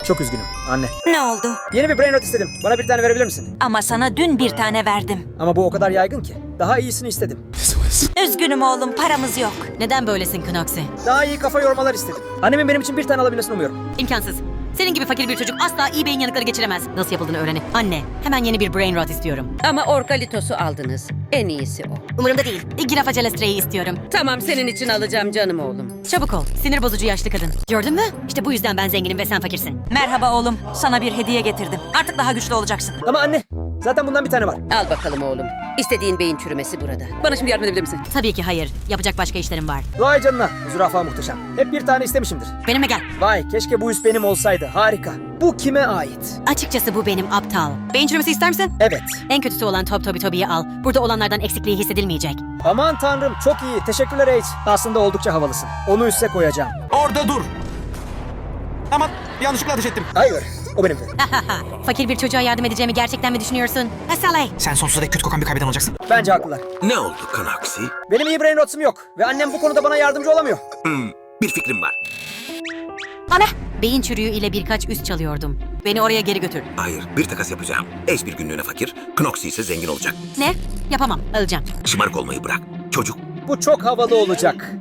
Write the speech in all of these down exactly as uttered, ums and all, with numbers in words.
Çok üzgünüm anne. Ne oldu? Yeni bir brain rot istedim. Bana bir tane verebilir misin? Ama sana dün bir tane verdim. Ama bu o kadar yaygın ki. Daha iyisini istedim. Üzgünüm oğlum, paramız yok. Neden böylesin Knoxy? Daha iyi kafa yormalar istedim. Annemin benim için bir tane alabilmesini umuyorum. İmkansız. Senin gibi fakir bir çocuk asla iyi beyin yanıkları geçiremez. Nasıl yapıldığını öğrenin. Anne, hemen yeni bir brain rot istiyorum. Ama Orkalitos'u aldınız. En iyisi o. Umurumda değil. Girafa Celestre'yi istiyorum. Tamam, senin için alacağım canım oğlum. Çabuk ol. Sinir bozucu yaşlı kadın. Gördün mü? İşte bu yüzden ben zenginim ve sen fakirsin. Merhaba oğlum, sana bir hediye getirdim. Artık daha güçlü olacaksın. Ama anne, zaten bundan bir tane var. Al bakalım oğlum. İstediğin beyin çürümesi burada. Bana şimdi yardım edebilir misin? Tabii ki hayır. Yapacak başka işlerim var. Vay canına, zürafa muhteşem. Hep bir tane istemişimdir. Benimle gel. Vay, keşke bu üs benim olsaydı. Harika. Bu kime ait? Açıkçası bu benim aptal. Beyin çürümesi ister misin? Evet. En kötüsü olan Top Toby Toby'yi al. Burada olanlardan eksikliği hissedilmeyecek. Aman tanrım, çok iyi. Teşekkürler H. Aslında oldukça havalısın. Onu üste koyacağım. Orada dur. Aman yanlışlıkla ateş ettim. Hayır, o benimdi. Fakir bir çocuğa yardım edeceğimi gerçekten mi düşünüyorsun? Asalay. Sen sonsuza dek kötü kokan bir kaybeden olacaksın. Bence haklılar. Ne oldu Knoxy? Benim iyi brain rotsum yok. Ve annem bu konuda bana yardımcı olamıyor. Hmm, bir fikrim var. Ana. Beyin çürüğü ile birkaç üst çalıyordum. Beni oraya geri götür. Hayır, bir takas yapacağım. Ace bir günlüğüne fakir, Knoxy ise zengin olacak. Ne? Yapamam. Alacağım. Şımarık olmayı bırak. Çocuk, Bu çok havalı olacak.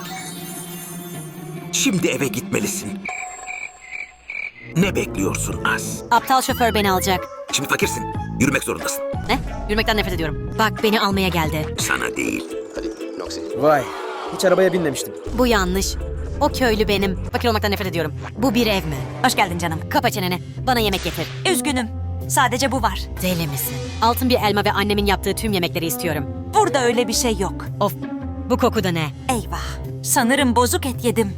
şimdi eve gitmelisin. Ne bekliyorsun Az? Aptal şoför beni alacak. Şimdi fakirsin. Yürümek zorundasın. Ne? Yürümekten nefret ediyorum. Bak beni almaya geldi. Sana değil. Vay, hiç arabaya binmemiştim. Bu yanlış. O köylü benim. Fakir olmaktan nefret ediyorum. Bu bir ev mi? Hoş geldin canım. Kapa çeneni. Bana yemek getir. Üzgünüm, sadece bu var. Deli misin? Altın bir elma ve annemin yaptığı tüm yemekleri istiyorum. Burada öyle bir şey yok. Of. Bu koku da ne? Eyvah, sanırım bozuk et yedim.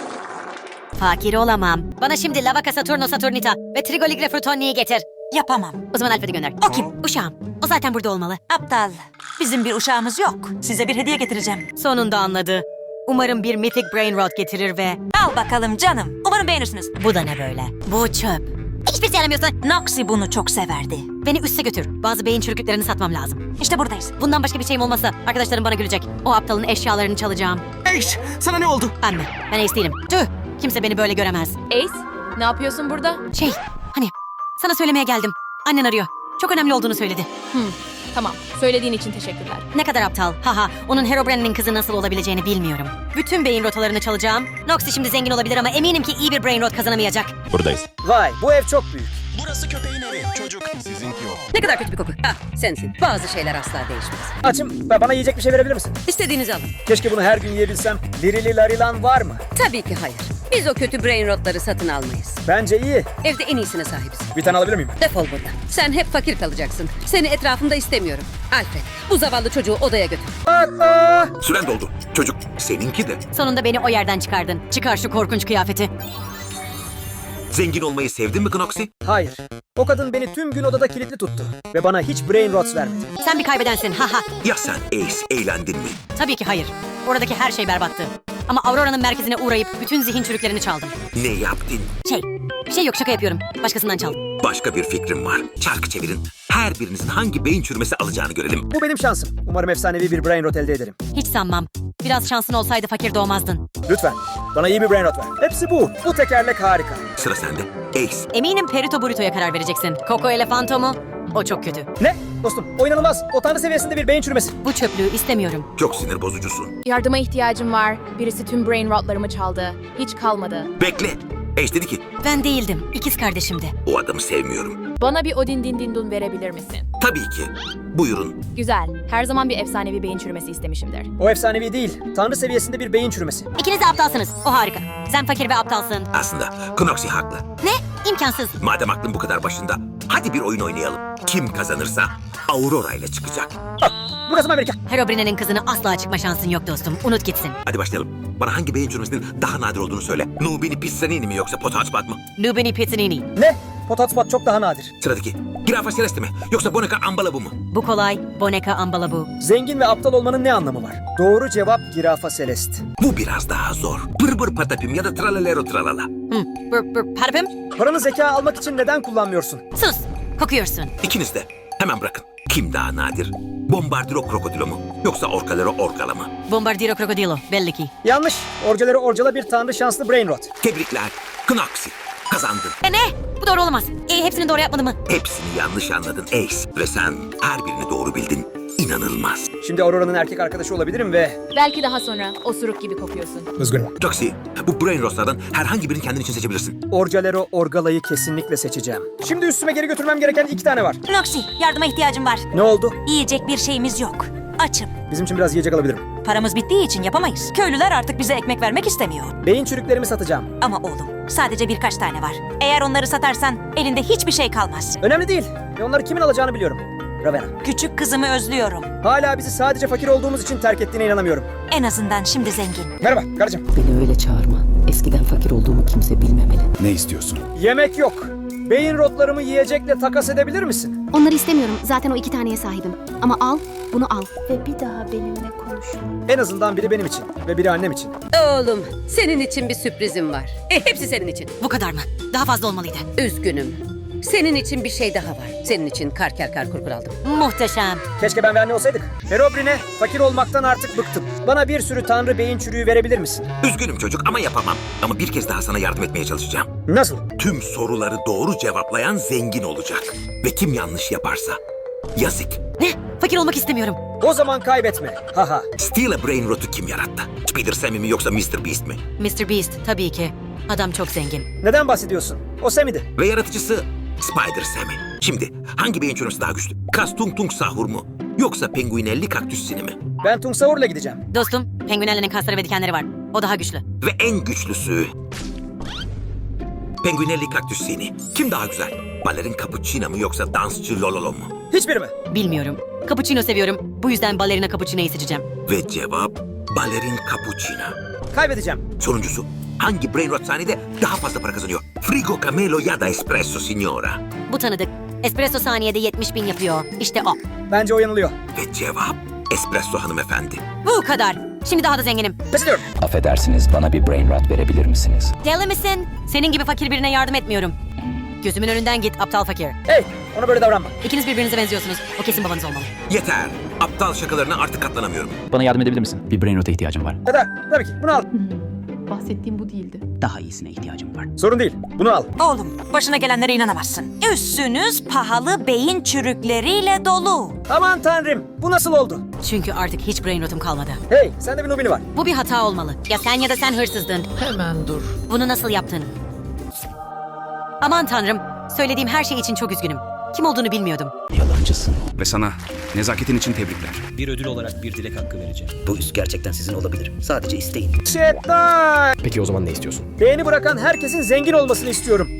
Fakir olamam. Bana şimdi Lavaca Saturno Saturnita ve Trigoligre Frutoni'yi getir. Yapamam. O zaman Alfred'i gönder. O kim? Uşağım. O zaten burada olmalı. Aptal. Bizim bir uşağımız yok. Size bir hediye getireceğim. Sonunda anladı. Umarım bir Mythic Brain Rot getirir ve... Al bakalım canım. Umarım beğenirsiniz. Bu da ne böyle? Bu çöp. Hiçbir şey yaramıyorsun. Noxy bunu çok severdi. Beni üste götür. Bazı beyin çürüklüklerini satmam lazım. İşte buradayız. Bundan başka bir şeyim olmasa arkadaşlarım bana gülecek. O aptalın eşyalarını çalacağım. Ace, sana ne oldu? Ben mi? Ben Ace değilim. Tüh! Kimse beni böyle göremez. Ace, ne yapıyorsun burada? Şey, hani sana söylemeye geldim. Annen arıyor. Çok önemli olduğunu söyledi. Tamam, söylediğin için teşekkürler. Ne kadar aptal. Haha, onun Herobrine'nin kızı nasıl olabileceğini bilmiyorum. Bütün beyin rotalarını çalacağım. Noxy şimdi zengin olabilir ama eminim ki iyi bir brain rot kazanamayacak. Buradayız. Vay, bu ev çok büyük. Burası köpeğin evi. Çocuk. Sizinki yok. Ne kadar kötü bir koku. Ah, sensin. Bazı şeyler asla değişmez. Açım, ve bana yiyecek bir şey verebilir misin? İstediğinizi alın. Keşke bunu her gün yiyebilsem. Lirili larilan var mı? Tabii ki hayır. Biz o kötü brain rotları satın almayız. Bence iyi. Evde en iyisine sahibiz. Bir tane alabilir miyim? Defol buradan. Sen hep fakir kalacaksın. Seni etrafımda istemiyorum. Alfred, bu zavallı çocuğu odaya götür. Aa! Süren doldu. Çocuk, seninki de. Sonunda beni o yerden çıkardın. Çıkar şu korkunç kıyafeti. Zengin olmayı sevdin mi Knoxy? Hayır. O kadın beni tüm gün odada kilitli tuttu. Ve bana hiç brain rots vermedi. Sen bir kaybedensin. Haha. Ya sen Ace, eğlendin mi? Tabii ki hayır. Oradaki her şey berbattı. Ama Aurora'nın merkezine uğrayıp bütün zihin çürüklerini çaldım. Ne yaptın? Şey, bir şey yok şaka yapıyorum. Başkasından çaldım. Başka bir fikrim var. Çarkı çevirin. Her birinizin hangi beyin çürümesi alacağını görelim. Bu benim şansım. Umarım efsanevi bir brain rot elde ederim. Hiç sanmam. Biraz şansın olsaydı fakir doğmazdın. Lütfen. Bana iyi bir brain rot ver. Hepsi bu. Bu tekerlek harika. Sıra sende. Ace, Eminim Perito Burrito'ya karar vereceksin. Coco Elefanto mu? O çok kötü. Ne? Dostum, o inanılmaz. O tanrı seviyesinde bir beyin çürümesi. Bu çöplüğü istemiyorum. çok sinir bozucusun. Yardıma ihtiyacım var. Birisi tüm brain rotlarımı çaldı. Hiç kalmadı. Bekle. Ace dedi ki, Ben değildim. İkiz kardeşimdi. o adamı sevmiyorum. Bana bir Odin din din dun verebilir misin? Tabii ki. Buyurun. Güzel. Her zaman bir efsanevi beyin çürümesi istemişimdir. O efsanevi değil. Tanrı seviyesinde bir beyin çürümesi. İkiniz de aptalsınız. O harika. Sen fakir ve aptalsın. Aslında Knoxy haklı. Ne? İmkansız. Madem aklın bu kadar başında, hadi bir oyun oynayalım. Kim kazanırsa Aurora ile çıkacak. Burası mı Amerika? Herobrine'nin kızını asla çıkma şansın yok dostum. Unut gitsin. Hadi başlayalım. Bana hangi beyin çürümesinin daha nadir olduğunu söyle. Nubini Pissanini mi yoksa Potaçpat mı? Lubini Pizzanini. Ne? Potatspot çok daha nadir. Sıradaki. Girafa Celeste mi yoksa Boneca Ambalabu mu? Bu kolay. Boneka Ambalabu. Zengin ve aptal olmanın ne anlamı var? Doğru cevap Girafa Celeste. Bu biraz daha zor. Pır pır patapim ya da tralalero tralala. Hı. Bır bır parfüm. Paranı zeka almak için neden kullanmıyorsun? Sus. Kokuyorsun. İkiniz de hemen bırakın. Kim daha nadir? Bombardiro krokodilo mu yoksa Orkalero orkala mı? Bombardiro Crocodilo. Belli ki. Yanlış. Orcaları orcala bir tanrı şanslı brain rot. Tebrikler. Knoxy. Kazandın. E ne? Bu doğru olamaz. E, hepsini doğru yapmadı mı? Hepsini yanlış anladın Ace. Ve sen her birini doğru bildin. İnanılmaz. Şimdi Aurora'nın erkek arkadaşı olabilirim ve... Belki daha sonra osuruk gibi kokuyorsun. Üzgünüm. Joxy, bu brain rotlardan herhangi birini kendin için seçebilirsin. Orcalero Orgala'yı kesinlikle seçeceğim. Şimdi üstüme geri götürmem gereken iki tane var. Noxy, yardıma ihtiyacım var. Ne oldu? Yiyecek bir şeyimiz yok. Açım. Bizim için biraz yiyecek alabilirim. Paramız bittiği için yapamayız. Köylüler artık bize ekmek vermek istemiyor. Beyin çürüklerimi satacağım. Ama oğlum, sadece birkaç tane var. Eğer onları satarsan elinde hiçbir şey kalmaz. Önemli değil. Ve onları kimin alacağını biliyorum. Ravenna. Küçük kızımı özlüyorum. Hala bizi sadece fakir olduğumuz için terk ettiğine inanamıyorum. En azından şimdi zengin. Merhaba karıcığım. Beni öyle çağırma. Eskiden fakir olduğumu kimse bilmemeli. Ne istiyorsun? Yemek yok. Beyin rotlarımı yiyecekle takas edebilir misin? Onları istemiyorum. Zaten o iki taneye sahibim. Ama al, bunu al. Ve bir daha benimle konuşma. En azından biri benim için ve biri annem için. Oğlum, senin için bir sürprizim var. E, hepsi senin için. Bu kadar mı? Daha fazla olmalıydı. Üzgünüm. Senin için bir şey daha var. Senin için karker kar kurkur aldım. Muhteşem. Keşke ben ve anne olsaydık. Herobrine, fakir olmaktan artık bıktım. Bana bir sürü tanrı beyin çürüğü verebilir misin? Üzgünüm çocuk ama yapamam. Ama bir kez daha sana yardım etmeye çalışacağım. Nasıl? Tüm soruları doğru cevaplayan zengin olacak. Ve kim yanlış yaparsa yazık. Ne? Fakir olmak istemiyorum. O zaman kaybetme. Haha. Steal a Brain Rot'u kim yarattı? Spider Sammy mi yoksa mister Beast mi? mister Beast tabii ki. Adam çok zengin. Neden bahsediyorsun? O Sammy'di. Ve yaratıcısı Spider Sammy. Şimdi hangi beyin çürümesi daha güçlü? Kas Tung Tung Sahur mu? Yoksa Penguinelli Kaktüsini mi? Ben Tungsaur'la gideceğim. Dostum, penguenlerin kasları ve dikenleri var. O daha güçlü. Ve en güçlüsü... Penguinelli Kaktüsini. Kim daha güzel? Balerin Cappuccino mu yoksa dansçı Lololo mu? Hiçbiri mi? Bilmiyorum. Cappuccino seviyorum. Bu yüzden ballerina cappuccino'yu seçeceğim. Ve cevap Balerin Cappuccino. Kaybedeceğim. Sonuncusu, hangi Brain Rot saniyede daha fazla para kazanıyor? Frigo Camelo ya da Espresso Signora. Bu tanıdık. Espresso saniyede yetmiş bin yapıyor. İşte o. Bence o yanılıyor. Ve cevap Espresso hanımefendi. Bu kadar. Şimdi daha da zenginim. Pes ediyorum. Affedersiniz, bana bir brain rot verebilir misiniz? Deli misin? Senin gibi fakir birine yardım etmiyorum. Gözümün önünden git aptal fakir. Hey, ona böyle davranma. İkiniz birbirinize benziyorsunuz. O kesin babanız olmalı. Yeter. Aptal şakalarına artık katlanamıyorum. Bana yardım edebilir misin? Bir brain rot'a ihtiyacım var. Ya da tabii ki bunu al. Bahsettiğim bu değildi. Daha iyisine ihtiyacım var. Sorun değil. Bunu al. Oğlum, başına gelenlere inanamazsın. Üssünüz pahalı beyin çürükleriyle dolu. Aman tanrım. Bu nasıl oldu? Çünkü artık hiç brain rotum kalmadı. Hey, sende bir Nubini var. Bu bir hata olmalı. Ya sen ya da sen hırsızdın. Hemen dur. Bunu nasıl yaptın? Aman tanrım. Söylediğim her şey için çok üzgünüm. Kim olduğunu bilmiyordum. Yalancısın. Ve sana nezaketin için tebrikler. Bir ödül olarak bir dilek hakkı vereceğim. Bu üs gerçekten sizin olabilir. Sadece isteyin. Şeytan. Peki o zaman ne istiyorsun? Beğeni bırakan herkesin zengin olmasını istiyorum.